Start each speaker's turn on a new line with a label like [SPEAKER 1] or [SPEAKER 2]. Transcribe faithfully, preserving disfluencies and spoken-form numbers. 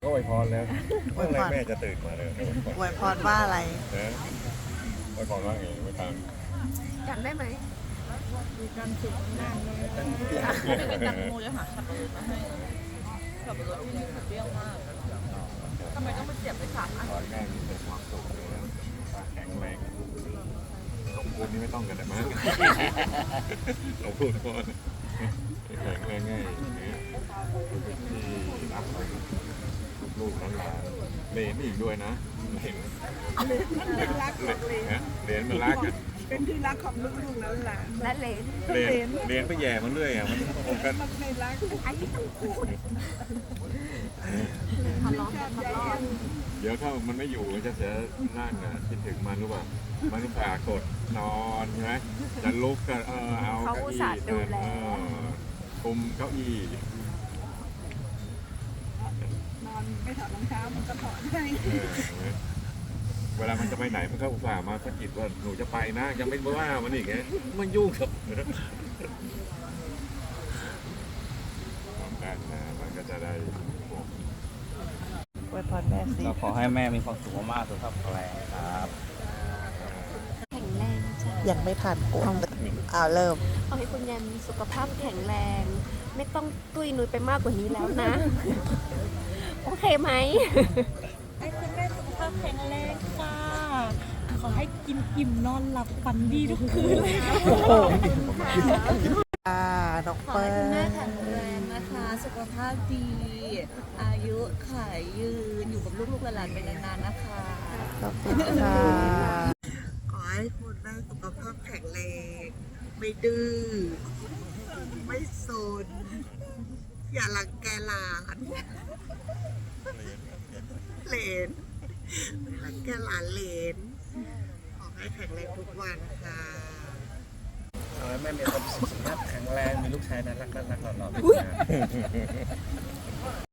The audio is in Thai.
[SPEAKER 1] ก็อวยพรแล้วเมื่อไรแม่จะตื่นมาเลย
[SPEAKER 2] อวยพรว่าอะไร
[SPEAKER 1] นะอวยพรว่าไงไม่ตาม
[SPEAKER 3] จำได้ไหม
[SPEAKER 2] มีความสุขมากเลย
[SPEAKER 3] เป็นตังโมจะหาสับปะรดมาให้สับปะรดที่นี่เปรี้ยวมากทำไมต้องมาเจ็บไปสามอัน
[SPEAKER 1] ขอให้แม่มีแต่ความสุขเลยนะแข็งแรงสมบูรณ์นี่ไม่ต้องกันแต่มากเราพูดก่อนแข็งแรงง่ายที่รักลูกหลานเลนอีกด้วยนะเห็นเลนมันรักกัน
[SPEAKER 2] เป็นที่รักของลูกๆแล้วหลาน
[SPEAKER 3] และเลน
[SPEAKER 1] เลนเลนไปแย่มันเรื่อยอ่ะมันคงกัน
[SPEAKER 2] ไม่รัก
[SPEAKER 3] ไอ้ที่ต้องพูดทะเลาะกันทะเลาะ
[SPEAKER 1] เดี๋ยวถ้ามันไม่อยู่จะเสียนั่นนะคิดถึงมันรู้ป่ะมันจะปากดนอนใช่ไหมจะลุกก็เออเอาเก้าอี้เออคุมเก้าอี้
[SPEAKER 2] นอนไม่ถอดรองเท้ามันก็ถอดให้
[SPEAKER 1] เวลามันจะไปไหนมันก็อุตส่าห์มาสะกิดว่าหนูจะไปนะยังไม่ว่ามันอีกไงมันยุ่งครับความการนะมันก็จะได้
[SPEAKER 2] อวยพรแม่สิ
[SPEAKER 4] ก็ขอให้แม่มีความสุขมากๆสุขภาพแข็งแรงครับ
[SPEAKER 3] แข็งแรงจ้ะ
[SPEAKER 2] ยังไม่ผ่านกูอ้าวเริ่ม
[SPEAKER 3] ขอให้คุณยันสุขภาพแข็งแรงไม่ต้องตุ้ยนุ้ยไปมากกว่านี้แล้วนะโอเคไหม
[SPEAKER 5] ให้คุณแม่สุขภาพแข็งแรงค่ะขอให้กินอิ่มนอนหลับฝันดีทุกคืนเลยค่ะ
[SPEAKER 2] อ่าน้อง
[SPEAKER 5] ขอ
[SPEAKER 2] เปิ้ล
[SPEAKER 5] ให้คุณแม่แข็งแรงนะคะสุขภาพดีอายุขายยืนอยู่กับลูกๆหลานๆไปนานๆนะคะ
[SPEAKER 2] ขอบคุณค่ะขอให้คุณแม่สุขภาพแข็งแรงไม่ดื้อไม่โซนอย่ารังแกหลานเหลนรังแกหลานเหลนขอให้แข็งแรงทุกวันค่ะ
[SPEAKER 4] ขอให้แม่มีความสุขภาพแข็งแรงมีลูกชายน่ารักน่ารักหล่อๆ